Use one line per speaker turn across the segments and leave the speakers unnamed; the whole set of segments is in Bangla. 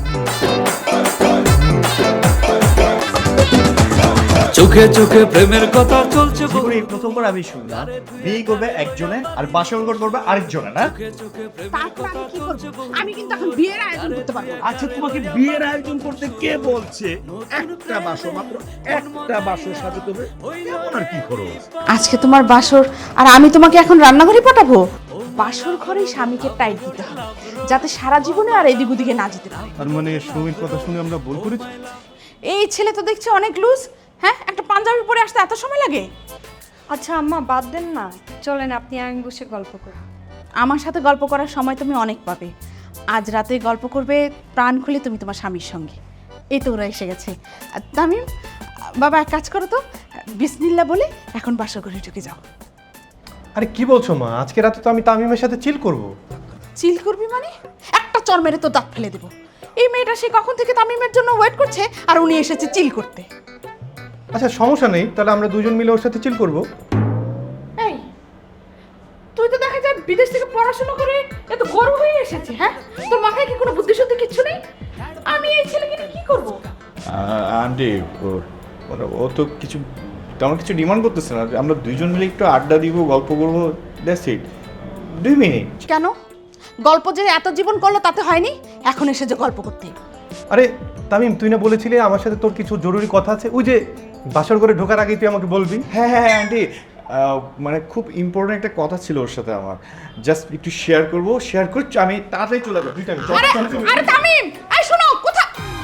চোখে চোখে প্রেমের কথা চলছে
জীবনে এই প্রথমবার আমি শুনলাম বিয়ে করবে একজনে আর বাসর ঘর করবে আরেকজনে, না?
তারপর আমি কি করব? আমি কিন্তু এখন বিয়ের আয়োজন করতে পারবো না।
আচ্ছা, তোমাকে বিয়ের আয়োজন করতে কে বলছে? একটা বাসর, মাত্র একটা বাসর সাজাতে হবে, এমন আর কি খরচ?
আজকে তোমার বাসর আর আমি তোমাকে এখন রান্নাঘরে পাঠাবো? বাসর ঘরেই স্বামীকে টাইট দিতে হবে যাতে সারা জীবনে আর এদিক ওদিকে না যেতে পারে।
তার মানে সুমির কথা শুনে আমরা ভুল করেছি?
এই ছেলে তো দেখছি অনেক লুজ। হ্যাঁ, একটা পাঞ্জাবি পরে আসতে এত সময় লাগে?
আচ্ছা আম্মা, বাদ দেন না, চলেন আপনি আমি বসে গল্প করি।
আমার সাথে গল্প করার সময় তুমি অনেক পাবে। আজ রাতে গল্প করবে প্রাণ খুলে তুমি তোমার স্বামীর সঙ্গে। এই তো ওরা এসে গেছে। আর তামিম, বাবা এক কাজ করো তো, বিসমিল্লাহ বলে এখন বাসর ঘরে ঢুকে যাও।
আরে কি বলছো মা? আজকে রাতে তো আমি তামিমের সাথে চিল করব।
চিল করবি মানে? একটা চর মেরে তো দাঁত ফেলে দেবো। এই মেয়েটা সে কখন থেকে তামিমের জন্য ওয়েট করছে আর উনি এসেছে চিল করতে।
আচ্ছা সমস্যা নেই, তাহলে আমরা দুজন মিলে ওর সাথে চিল করব।
এই, তুই তো দেখা যায় বিদেশ থেকে পড়াশোনা করে এত গর্ব হয়ে এসেছে। হ্যাঁ, তোর মাথায় কি কোনো বুদ্ধি শুদ্ধি কিচ্ছু নেই? আমি এই ছেলেকে নিয়ে কি করবো?
আন্টি, ও তো কিছু তেমন কিছু ডিমান্ড করতেছে না। আমরা দুইজন মিলে একটু আড্ডা দিব, গল্প করবো, দ্যাটস ইট। 2 মিনিট।
কেন? গল্প যে এত জীবন করলো তাতে হয়নি, এখন এসে যে গল্প করতে।
আরে তামিম, তুই না বলেছিলি আমার সাথে তোর কিছু জরুরি কথা আছে? ওই যে বাসর ঘরে ঢোকার আগেই তুই আমাকে বলবি।
হ্যাঁ হ্যাঁ হ্যাঁ আন্টি, মানে খুব ইম্পর্টেন্ট একটা কথা ছিল ওর সাথে আমার। জাস্ট একটু শেয়ার করবো, শেয়ার করছি, আমি তাড়াতাড়ি চলে যাবো।
আরে তামিম, এই শোনো, কোথা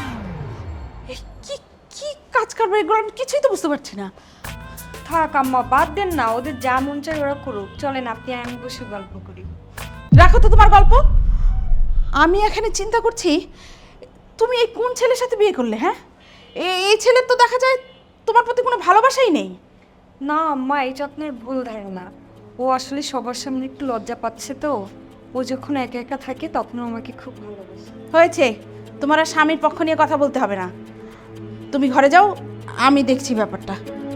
এই কি কি কাজ করবে এগুলো? আমি কিছুই তো বুঝতে পারছি না।
থাক আম্মা, বাদ দেন না, ওদের যা মন চায় ওরা করুক, চলেন আপনি আমি বসে গল্প করি।
রাখো তো তোমার গল্প। আমি এখানে চিন্তা করছি তুমি এই কোন ছেলের সাথে বিয়ে করলে? হ্যাঁ, এই ছেলের তো দেখা যায় তোমার প্রতি কোনো ভালোবাসাই নেই।
না আম্মা, এটা আপনার ভুল ধারণা। ও আসলে সবার সামনে একটু লজ্জা পাচ্ছে তো। ও যখন একা একা থাকে তখন আমাকে খুব ভালোবাসে।
হয়েছে, তোমার আর স্বামীর পক্ষ নিয়ে কথা বলতে হবে না। তুমি ঘরে যাও, আমি দেখছি ব্যাপারটা।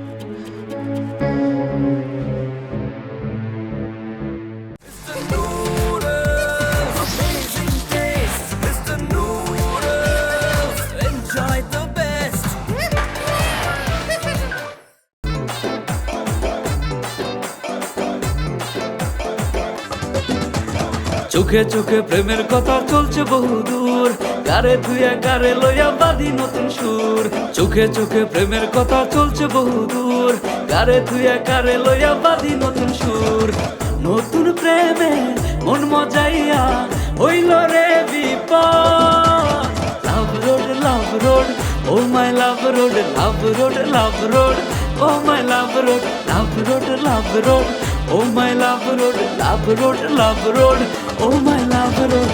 চোখে চোখে প্রেমের কথা চলছে বহুদূর, গারে ধুয়ে গারে লইয়া বাঁধি নতুন সুর। চোখে চোখে প্রেমের কথা চলছে বহুদূর, গারে ধুয়ে গারে লইয়া বাঁধি নতুন সুর। নতুন প্রেমে মন মজাইয়া হইল রে বিপদ। Love road, oh my love road, love road, oh my love road, love road, oh my love road, love road, oh my love road.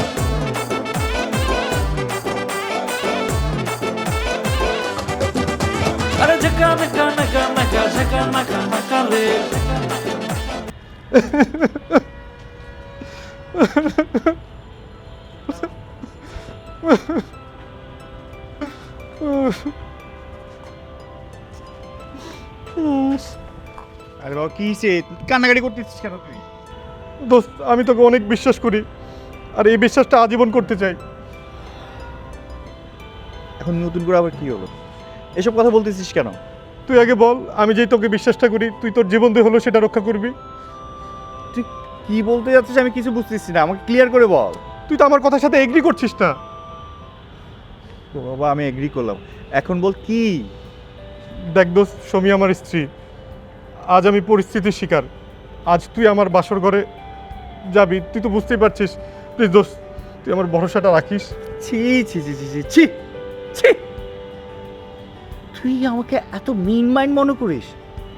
আরে ঝকা নকা নকা নকা ঝকা নকা নকা রে।
আরে বাবা, কি সে কান্নাকাটি করতেছিস কেন তুই?
দোস্ত, আমি তোকে অনেক বিশ্বাস করি আর এই বিশ্বাসটা আজীবন করতে চাই।
এখন নতুন করে আবার কি হলো? এসব কথা বলতেছিস কেন?
তুই আগে বল, আমি যেই তোকে বিশ্বাসটা করি তুই তোর জীবন দিয়ে হলো সেটা রক্ষা করবি।
তুই কি বলতে যাচ্ছিস আমি কিছু বুঝতেছি না, আমাকে ক্লিয়ার করে বল।
তুই তো আমার কথার সাথে এগ্রি করছিস না।
ও বাবা, আমি এগ্রি করলাম, এখন বল কি?
দেখ দোস্ত, সমী আমার স্ত্রী। আজ আমি পরিস্থিতির শিকার। আজ তুই আমার বাসর ঘরে যাবি, তুই তো বুঝতেই পারছিস। প্লিজ দোস্ত, তুই আমার ভরসাটা রাখিস।
ছি ছি ছি ছি ছি ছি ছি, তুই আমাকে এত মিন মাইন্ড মনে করিস?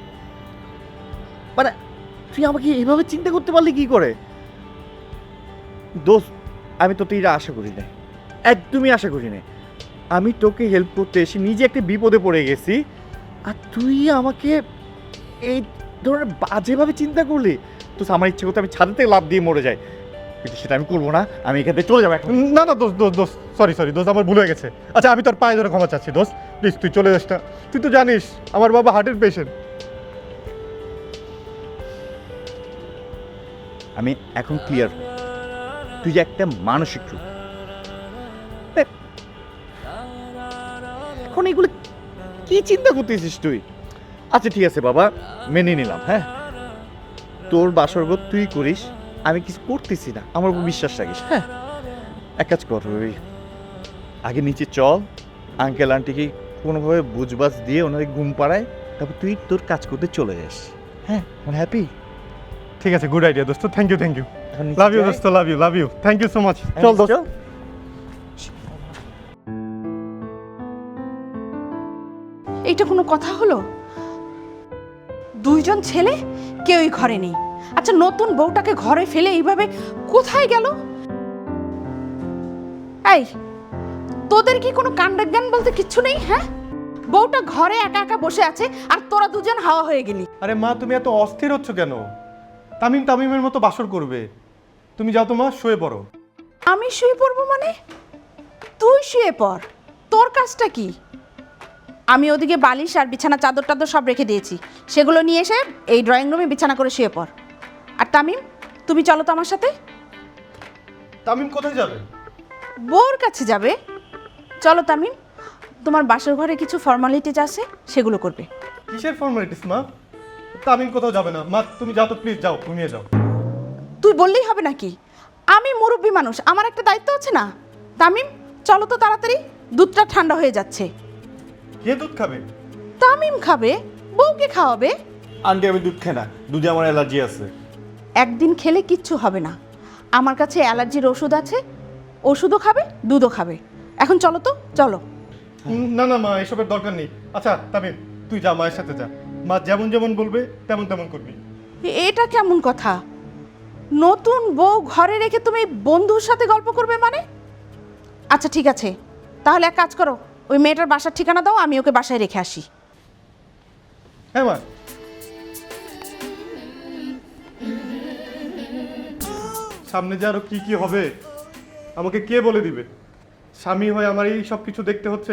মানে তুই আমাকে এভাবে চিন্তা করতে পারলি কি করে? দোস্ত, আমি তো তুই আশা করি না, একদমই আশা করি না। আমি তোকে হেল্প করতে এসে নিজে একটা বিপদে পড়ে গেছি, আর তুই আমাকে এই ধরনের বাজেভাবে চিন্তা করলি। তো আমার ইচ্ছে করতে আমি ছাদ থেকে লাফ দিয়ে মরে যাই, কিন্তু সেটা আমি করবো না। আমি এখান থেকে চলে যাবো এখন।
না না দোস্ত, দোস্ত দোস্ত সরি দোস্ত, আমার ভুল হয়ে গেছে। আচ্ছা, আমি তোর পায়ে ধরে ক্ষমা চাচ্ছি দোস্ত। প্লিজ তুই চলে যাস না। তুই তো জানিস আমার বাবা হার্টের পেশেন্ট।
আমি এখন ক্লিয়ার, তুই যে একটা মানসিক রোগ। দেখ, এখন এগুলো কি চিন্তা করতেছিস তুই? আচ্ছা ঠিক আছে বাবা, মেনে নিলাম। হ্যাঁ, তোর বাসরঘর তুই করিস, আমি কিছু করতেছি না, আমার উপর বিশ্বাস রাখিস। হ্যাঁ, এক কাজ কর, ওই আগে নিচে চল, আঙ্কেল আন্টিকে কোনোভাবে বুঝবাজ দিয়ে ওনাদের ঘুম পাড়ায়, তারপর তুই তোর কাজ করতে চলে যাস। হ্যাঁ, হ্যাপি?
ঠিক আছে, গুড আইডিয়া দোস্ত, থ্যাংক ইউ, থ্যাংক ইউ।
এখন নিচে
লাভ ইউ
যাই।
দোস্ত, love you, thank you so much.
হ্যাঁ,
চল
নিচে
দোস্ত।
চল।
এইটা কোনো কথা হলো? দুইজন ছেলে কেউই ঘরে নেই। আচ্ছা, নতুন বউটাকে ঘরে ফেলে এইভাবে কোথায় গেল? এই, তোদের কি কোনো কাণ্ডজ্ঞান বলতে কিচ্ছু নেই? হ্যাঁ, বউটা ঘরে একা একা বসে আছে আর তোরা দুজন হাওয়া হয়ে গেলি।
আরে মা, তুমি এত অস্থির হচ্ছ কেন? তামিমের মতো বাসর করবে। তুমি যাও তো মা, শুয়ে পড়ো।
আমি শুয়ে পড়বো মানে? তুই শুয়ে পড়, তোর কাজটা কি? আমি ওদিকে বালিশ আর বিছানা চাদর টাদর সব রেখে দিয়েছি, সেগুলো নিয়ে এসে এই ড্রয়িং রুমে বিছানা করে শুয়ে পড়। আর তামিম, তুমি চলো তো আমার সাথে।
তামিম কোথায় যাবে?
বউর কাছে যাবে। চলো তামিম, তোমার বাসর ঘরে কিছু ফর্মালিটিজ আছে, সেগুলো করবে।
কিসের ফর্মালিটিস মা? তামিম কোথাও যাবে না মা, তুমি যাও তো প্লিজ, যাও, ঘুমিয়ে যাও।
তুই বললেই হবে নাকি? আমি মুরব্বী মানুষ, আমার একটা দায়িত্ব আছে না? তামিম, চলো তো তাড়াতাড়ি, দুধটা ঠান্ডা হয়ে যাচ্ছে।
কে দুধ খাবে?
তামিম খাবে, বউকে খাওয়াবে।
আন্টি আমি দুধ খাই না, দুধে আমার অ্যালার্জি আছে।
একদিন খেলে কিচ্ছু হবে না, আমার কাছে অ্যালার্জির ওষুধ আছে, ওষুধও খাবে, দুধও খাবে। এখন চলো তো, চলো।
না না মা, এসবের দরকার নেই। আচ্ছা তামিম, তুই যা, মায়ের সাথে যা, মা যেমন যেমন বলবে তেমন তেমন করবি।
এটা কেমন কথা? নতুন বউ ঘরে রেখে তুমি বন্ধুর সাথে গল্প করবে মানে? আচ্ছা ঠিক আছে, তাহলে এক কাজ করো, ওই মেয়েটার বাসার ঠিকানা দাও, আমি ওকে বাসায় রেখে আসি।
হ্যাঁ মা। সামনে যে আরো কি কি হবে আমাকে কে বলে দিবে? স্বামী হয়ে আমার এই সব কিছু দেখতে হচ্ছে।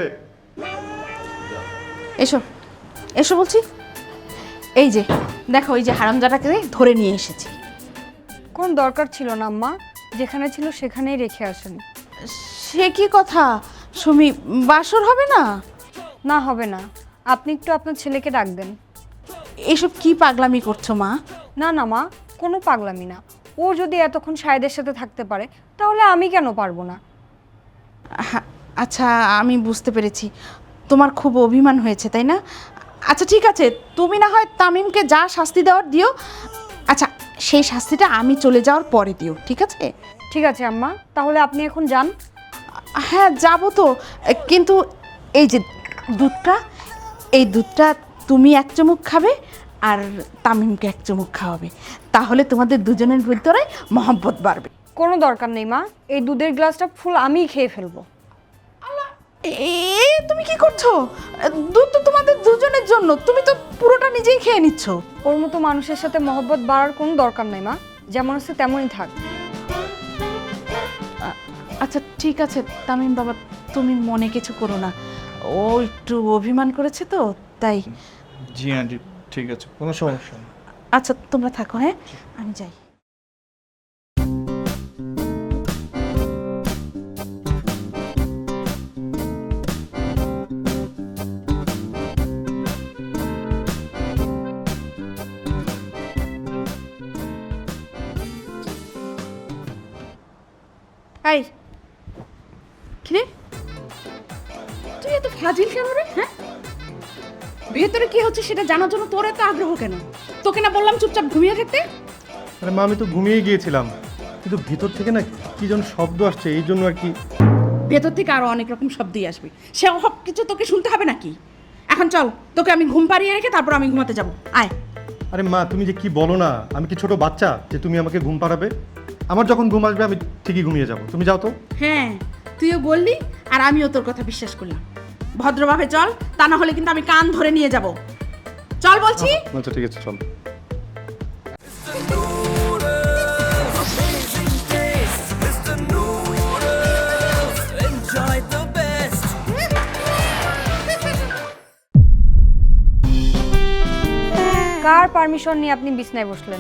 এসো, এসো বলছি। এই যে দেখো, এই যে হারামজাদাকে ধরে নিয়ে এসেছি।
কোন দরকার ছিল না আম্মা, যেখানে ছিল সেখানেই রেখে আসেন।
সে কি কথা সুমি, বাসর হবে না?
না হবে না, আপনি একটু আপনার ছেলেকে ডাক দেন।
এসব কি পাগলামি করছো মা?
না না মা, কোনো পাগলামি না। ও যদি এতক্ষণ সায়েদের সাথে থাকতে পারে, তাহলে আমি কেন পারবো না?
আচ্ছা, আমি বুঝতে পেরেছি, তোমার খুব অভিমান হয়েছে তাই না? আচ্ছা ঠিক আছে, তুমি না হয় তামিমকে যা শাস্তি দেওয়ার দিও। আচ্ছা, সেই শাস্তিটা আমি চলে যাওয়ার পরে দিও, ঠিক আছে?
ঠিক আছে আম্মা, তাহলে আপনি এখন যান।
হ্যাঁ যাবো তো, কিন্তু এই যে দুধটা, এই দুধটা তুমি এক চুমুক খাবে আর তামিমকে এক চুমুক খাওয়াবে, তাহলে তোমাদের দুজনের ভিতরে মহব্বত বাড়বে।
কোনো দরকার নেই মা, এই দুধের গ্লাসটা ফুল আমিই খেয়ে ফেলবো।
তুমি কি করছো? দুধ তো তোমাদের দুজনের জন্য, তুমি তো পুরোটা নিজেই খেয়ে নিচ্ছ।
ওর মতো মানুষের সাথে মহব্বত বাড়ার কোনো দরকার নাই মা, যেমন আছে তেমনই থাক।
আচ্ছা ঠিক আছে তামিম বাবা, তুমি মনে কিছু করো না, ও একটু অভিমান করেছে তো তাই।
জি আন্টি, ঠিক আছে, কোনো সমস্যা নেই।
আচ্ছা তোমরা থাকো, হ্যাঁ আমি যাই। এই কিরে, তুই এত ফাজিল কেন রে? হ্যাঁ, ভেতরে কি হচ্ছে সেটা জানার জন্য তোর এত আগ্রহ কেন? তোকে না বললাম চুপচাপ ঘুমিয়ে থাকতে?
আরে মা, আমি তো ঘুমিয়ে গিয়েছিলাম, কিন্তু ভিতর থেকে না কি যেন শব্দ আসছে, এই জন্য আর কি।
ভেতর থেকে আরো অনেক রকম শব্দই আসবে, সে সব কিছু তোকে শুনতে হবে নাকি? এখন চল, তোকে আমি ঘুম পাড়িয়ে রেখে তারপর আমি ঘুমাতে যাব, আয়।
আরে মা, তুমি যে কি বলো না, আমি কি ছোট বাচ্চা যে তুমি আমাকে ঘুম পাড়াবে? আমার যখন ঘুম আসবে আমি ঠিকই ঘুমিয়ে যাব, তুমি যাও তো।
হ্যাঁ, তুইও বললি আর আমিও তোর কথা বিশ্বাস করলাম। ভদ্রভাবে চল, তা না হলে কিন্তু আমি কান ধরে নিয়ে যাব। চল বলছি।
আচ্ছা ঠিক আছে, চল।
কার পারমিশন নিয়ে আপনি বিছনায় বসলেন?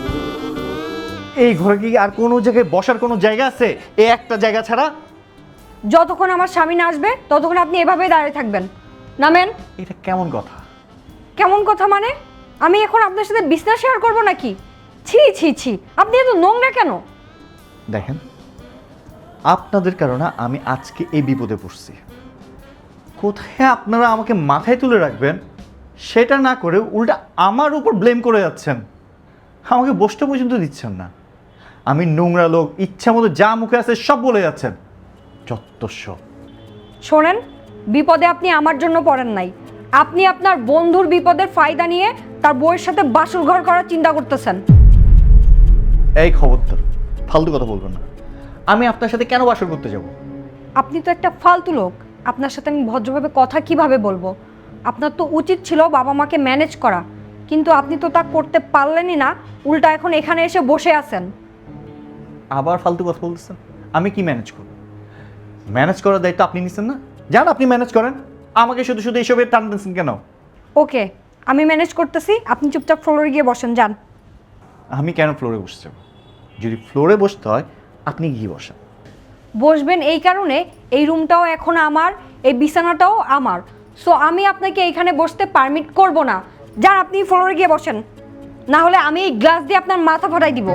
এই ঘরে কি আর কোনো জায়গায় বসার কোনো জায়গা আছে? এই একটা জায়গা ছাড়া?
যতক্ষণ আমার স্বামী না আসবে ততক্ষণ আপনি এভাবেই দাঁড়িয়ে থাকবেন। নামেন।
এটা কেমন কথা?
কেমন কথা মানে? আমি এখন আপনার সাথে বিছনা শেয়ার করবো নাকি? ছি ছি ছি, আপনি এত নোংরা কেন?
দেখেন, আপনাদের কারণে আমি আজকে এই বিপদে পড়ছি। কোথায় আপনারা আমাকে মাথায় তুলে রাখবেন সেটা না করে উল্টা আমার উপর ব্লেম করে যাচ্ছেন। আমাকে বসতে পর্যন্ত দিচ্ছেন না। আমি নোংরা লোক, ইচ্ছা মতো যা মুখে আছে সব বলে যাচ্ছেন। যত্তস্ব।
শোনেন, বিপদে আপনি আমার জন্য পড়েন নাই, আপনি আপনার বন্ধুর বিপদের ফায়দা নিয়ে তার বউয়ের সাথে বাসর ঘর করার চিন্তা করতেছেন।
এই খবরদার, ফালতু কথা বলবেন না। আমি আপনার সাথে কেন বাসর করতে যাব?
আপনি তো একটা ফালতু লোক, আপনার সাথে আমি ভদ্রভাবে কথা কিভাবে বলবো? আপনার তো উচিত ছিল বাবা মাকে ম্যানেজ করা, কিন্তু আপনি তো তা করতে পারলেনই না, উল্টা এখন এখানে এসে বসে আছেন।
আবার ফালতু কথা বলতেছেন। আমি কি ম্যানেজ করব? ম্যানেজ করার দায়িত্ব আপনি নিচ্ছেন না? যান আপনি ম্যানেজ করেন, আমাকে শুধু শুধু এইসবের টানতেছেন কেন?
ওকে, আমি ম্যানেজ করতেছি, আপনি চুপচাপ ফ্লোরে গিয়ে বসেন, যান।
আমি কেন ফ্লোরে বসতে যাব? যদি ফ্লোরে বসতে হয় আপনি গিয়ে বসেন।
বসবেন এই কারণে, এই রুমটাও এখন আমার, এই বিছানাটাও আমার, সো আমি আপনাকে এইখানে বসতে পারমিট করব না। যান আপনি ফ্লোরে গিয়ে বসেন, না হলে আমি এই গ্লাস দিয়ে আপনার মাথা ফাটাই দিব।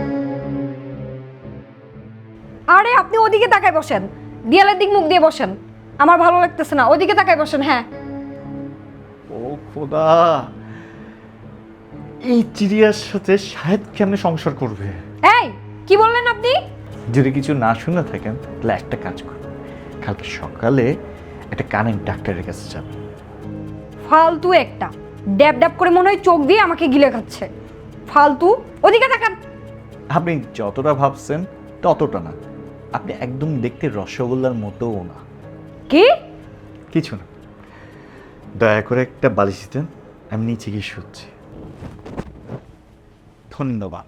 আরে আপনি ওদিকে তাকায় বসেন, দেয়ালের দিক মুখ দিয়ে বসেন, আমার ভালো লাগতেছে না, ওদিকে তাকায় বসেন। হ্যাঁ,
ও খোদা, এই চিড়িয়ার সাথে শাহেদ কেমনে সংসার করবে?
এই কি বললেন আপনি?
যদি কিছু না শুনে থাকেন তাহলে একটা কাজ করুন, কালকে সকালে একটা কানের ডাক্তারের কাছে যাবেন।
ফালতু একটা, ড্যাব ড্যাব করে মনে হয় চোখ দিয়ে আমাকে গিলে খাচ্ছে। ফালতু, ওদিকে তাকান।
আপনি যতটা ভাবছেন ততটা না। আপনি একদম দেখতে রসগোল্লার মতোও না।
কি?
কিছু না, দয়া করে একটা বালিশ দিতেন, আমি নিচে গিয়ে শুচ্ছি। ধন্যবাদ।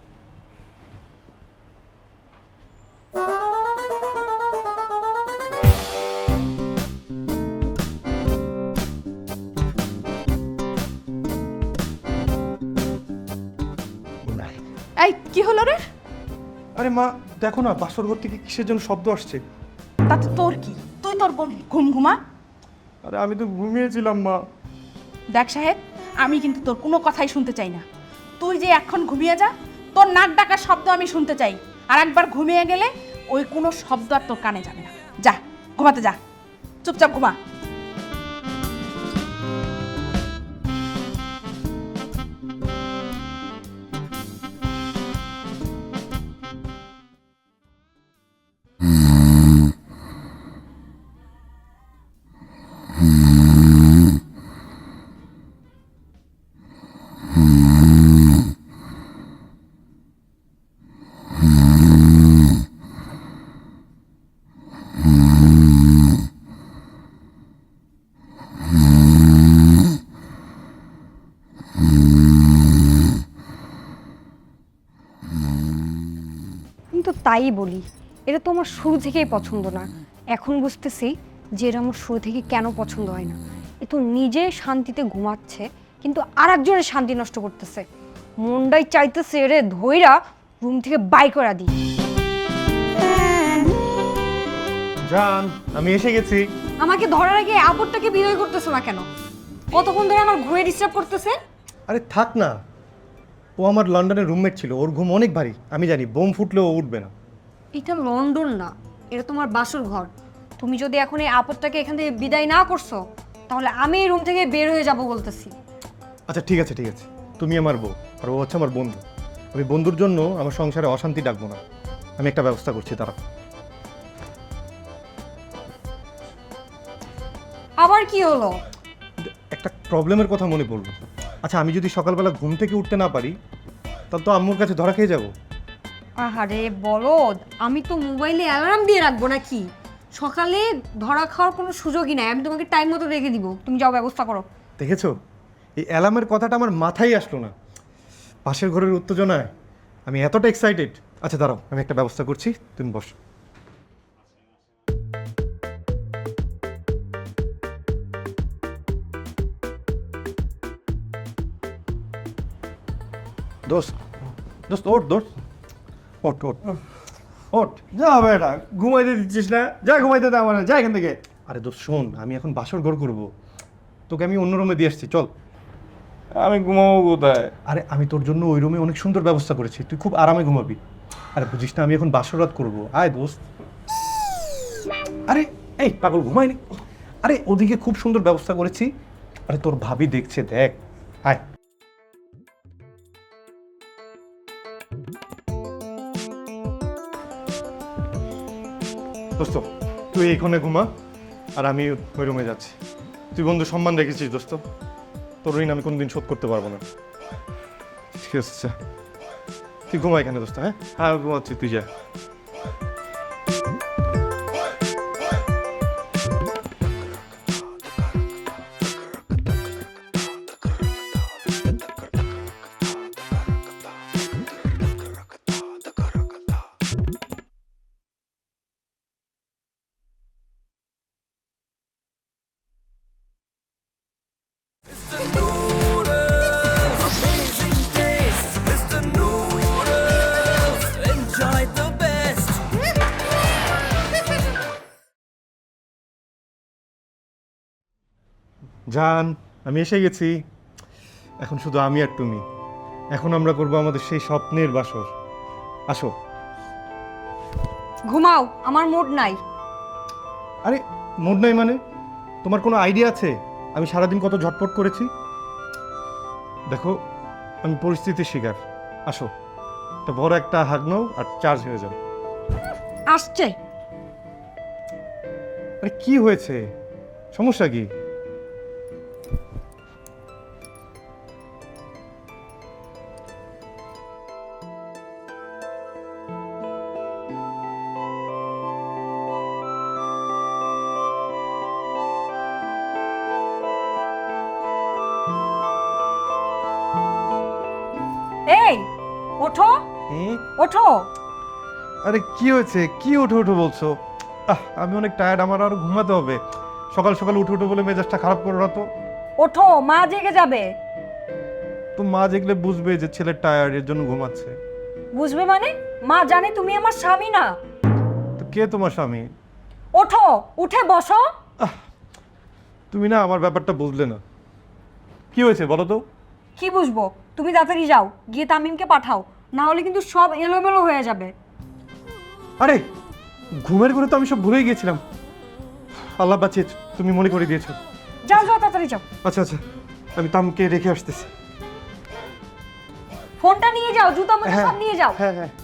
এই কি হলো রে?
আরে মা, দেখো না বাসর ঘর থেকে কিসের জন্য শব্দ আসছে।
তাতে তোর কি? তুই তোর ঘুম ঘুমা।
আরে আমি তো ঘুমিয়েছিলাম মা।
দেখ সাহেব, আমি কিন্তু তোর কোনো কথাই শুনতে চাই না। তুই যে এখন ঘুমিয়ে যা, তোর নাক ডাকার শব্দ আমি শুনতে চাই। আর একবার ঘুমিয়ে গেলে ওই কোনো শব্দ আর তোর কানে যাবে না। যা ঘুমাতে যা, চুপচাপ ঘুমা।
আমি তো তাই বলি, এটা তো আমার শুরু থেকেই পছন্দ না। এখন বুঝতেছি যে এটা আমার শুরু থেকে কেন পছন্দ হয় না। এ তো নিজে শান্তিতে ঘুমাচ্ছে, কিন্তু আর একজনের শান্তি নষ্ট করতেছে। মনটাই চাইতেছে এরে ধইরা রুম থেকে বাই করে দিই।
জান, আমি এসে গেছি।
আমাকে ধরার আগে আপদটাকে বিদায় করতেছে না কেন? কতক্ষণ ধরে আমার ঘুরে ডিস্টার্ব করতেছে।
আরে থাক না, ও আমার লন্ডনের রুমমেট ছিল, ওর ঘুম অনেক ভারী। আমি জানি বোম ফুটলেও ও উঠবে না।
এটা লন্ডন না, এটা তোমার বাসর ঘর। তুমি যদি এখন এই আপদটাকে এখান থেকে বিদায় না করছো, তাহলে আমি এই রুম থেকে বের হয়ে যাব বলতেছি।
আচ্ছা ঠিক আছে ঠিক আছে, তুমি আমার বউ আর ও হচ্ছে আমার বন্ধু। আমি বন্ধুর জন্য আমার সংসারে অশান্তি ডাকবো না। আমি একটা ব্যবস্থা করছি, তারা।
আবার কি হলো?
একটা প্রবলেমের কথা মনে পড়লো। আচ্ছা, আমি যদি সকালবেলা ঘুম থেকে উঠতে না পারি তাহলে তো আম্মুর কাছে ধরা খেয়ে যাবো।
আহারে বলদ, আমি তো মোবাইলে অ্যালার্ম দিয়ে রাখবো নাকি? সকালে ধরা খাওয়ার কোনো সুযোগই নাই। আমি তোমাকে টাইম মতো রেখে দিব, তুমি যাও ব্যবস্থা করো।
দেখেছো, এই অ্যালার্মের কথাটা আমার মাথায় আসলো না। পাশের ঘরের উত্তেজনায় আমি এতটা এক্সাইটেড। আচ্ছা দাঁড়াও, আমি একটা ব্যবস্থা করছি, তুমি বসো। দোস্ত, দোস্ত ওঠ, দোস্ত ওঠ ওঠ
ওঠ, যা বেটা, ঘুমাইতে দিচ্ছিস না, যা ঘুমাইতে দে আমার, যা এখান থেকে।
আরে দোস্ত শোন, আমি এখন বাসর ঘর করবো, তোকে আমি অন্য রুমে দিয়ে আসছি, চল।
আমি ঘুমাবো কোথায়?
আরে আমি তোর জন্য ওই রুমে অনেক সুন্দর ব্যবস্থা করেছি, তুই খুব আরামে ঘুমাবি। আরে বুঝিস না, আমি এখন বাসর রাত করবো, আয় দোস্ত। আরে এই পাগল, ঘুমায়নি? আরে ওদিকে খুব সুন্দর ব্যবস্থা করেছি। আরে তোর ভাবি দেখছে, দেখ, আয়। দোস্ত তুই এইখানে ঘুমা, আর আমি ওই রুমে যাচ্ছি। তুই বন্ধু সম্মান রেখেছিস দোস্ত, তোর ঋণ আমি কোনোদিন শোধ করতে পারবো না। ঠিক আছে, তুই ঘুমা এখানে দোস্ত। হ্যাঁ
হ্যাঁ ঘুমাচ্ছি, তুই যা।
জান, আমি এসে গেছি। এখন শুধু আমি আর তুমি। এখন আমরা করবো আমাদের সেই স্বপ্নের বাসর। আসো।
ঘুমাও, আমার মুড নাই।
আরে মুড নাই মানে? তোমার কোনো আইডিয়া আছে আমি সারাদিন কত ঝটপট করেছি? দেখো, আমি পরিস্থিতির শিকার। আসো, তা বড় একটা হাগ নাও আর চার্জ হয়ে যাও।
আসছে।
আরে কি হয়েছে, সমস্যা কি?
এই ওঠো, ওঠো।
আরে কি হয়েছে, কি উঠে উঠে বলছো? আমি অনেক টায়ার্ড, আমার আরো ঘুমাতে হবে। সকাল সকাল উঠে উঠে বলে মেজাজটা খারাপ করো না তো।
ওঠো, মা জেগে যাবে।
তো মা দেখলে বুঝবে যে ছেলে টায়ার্ড, এর জন্য ঘুমাচ্ছে।
বুঝবে মানে? মা জানে তুমি আমার স্বামী না।
তো কে তোমার স্বামী?
ওঠো, উঠে বসো।
তুমি না আমার ব্যাপারটা বুঝলে না। কি হয়েছে বলো তো?
কি বুঝবো? তুমি তাড়াতাড়ি যাও, গিয়ে তামিমকে পাঠাও, না হলে কিন্তু সব এলোমেলো হয়ে যাবে।
আরে ঘুমের ঘরে তো আমি সব ভুলেই গিয়েছিলাম। আল্লাহ বাঁচিয়ে তুমি মনে করে দিয়েছো।
যাও যাও, তাড়াতাড়ি যাও।
আচ্ছা আচ্ছা, আমি তামকে রেখে আসতেছি।
ফোনটা নিয়ে যাও, জুতা মোজা সব নিয়ে যাও।
হ্যাঁ হ্যাঁ।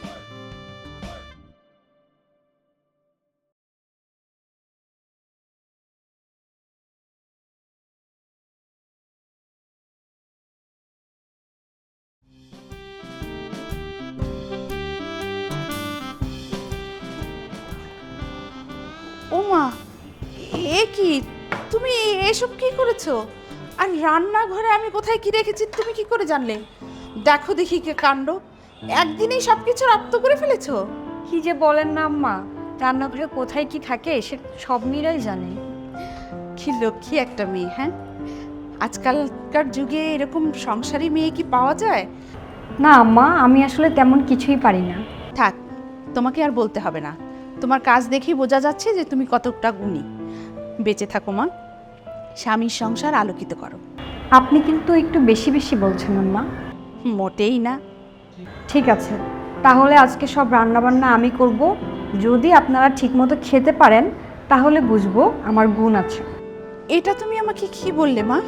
ওমা, এ কি, তুমি এসব কি করেছো? আর রান্নাঘরে আমি কোথায় কি রেখেছি তুমি কি করে জানলে? দেখো দেখি কে কাণ্ড, একদিনেই সব কিছু রপ্ত করে ফেলেছো।
কি যে বলেন না আম্মা, রান্নাঘরে কোথায় কি থাকে সে সব মীরাই জানে।
কি লক্ষ্মী একটা মেয়ে, হ্যাঁ? আজকালকার যুগে এরকম সংসারী মেয়ে কি পাওয়া যায়?
না আম্মা, আমি আসলে তেমন কিছুই পারি না।
থাক, তোমাকে আর বলতে হবে না। তোমার কাজ দেখেই বোঝা যাচ্ছে যে তুমি কতটা গুণী। বেঁচে থাকো মা, স্বামীর সংসার আলোকিত করো।
আপনি কিন্তু একটু বেশি বেশি বলছেন আম্মা।
মোটেই না।
ঠিক আছে, তাহলে আজকে সব রান্নাবান্না আমি করব। যদি আপনারা ঠিকমতো খেতে পারেন তাহলে বুঝবো আমার গুণ আছে।
এটা তুমি আমাকে কি বললে মা?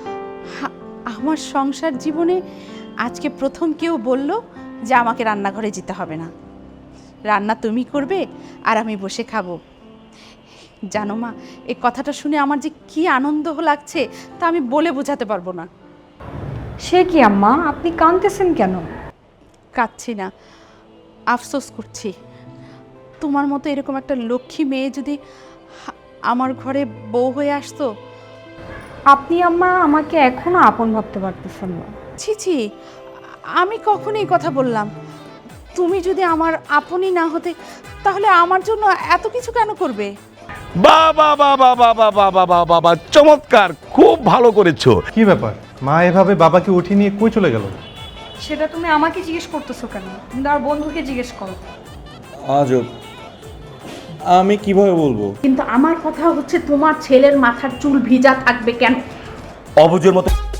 আমার সংসার জীবনে আজকে প্রথম কেউ বলল যে আমাকে রান্নাঘরে যেতে হবে না, রান্না তুমি করবে আর আমি বসে খাবো। জানো মা, এই কথাটা শুনে আমার যে কি আনন্দ লাগছে তা আমি বলে বোঝাতে পারবো না।
সে কি আম্মা, আপনি কাঁদতেছেন কেন?
কাঁদছি না, আফসোস করছি। তোমার মতো এরকম একটা লক্ষ্মী মেয়ে যদি আমার ঘরে বউ হয়ে আসতো।
আপনি আম্মা আমাকে এখনো আপন ভাবতে পারতেছেন না।
ছি ছি, আমি কখন এই কথা বললাম? তুমি যদি আমার আপনই না হতে তাহলে আমার জন্য এত কিছু কেন করবে?
বাবা বাবা বাবা বাবা বাবা বাবা, চমৎকার, খুব ভালো করেছো।
কি ব্যাপার, মা এভাবে বাবাকে উঠিয়ে নিয়ে কই চলে গেল?
সেটা তুমি আমাকে জিজ্ঞেস করতেছো কেন? তুমি আর বন্ধুকে জিজ্ঞেস করো।
আজব, আমি কিভাবে বলবো?
কিন্তু আমার কথা হচ্ছে তোমার ছেলের মাথার চুল ভিজা থাকবে কেন?
অবুঝের মতো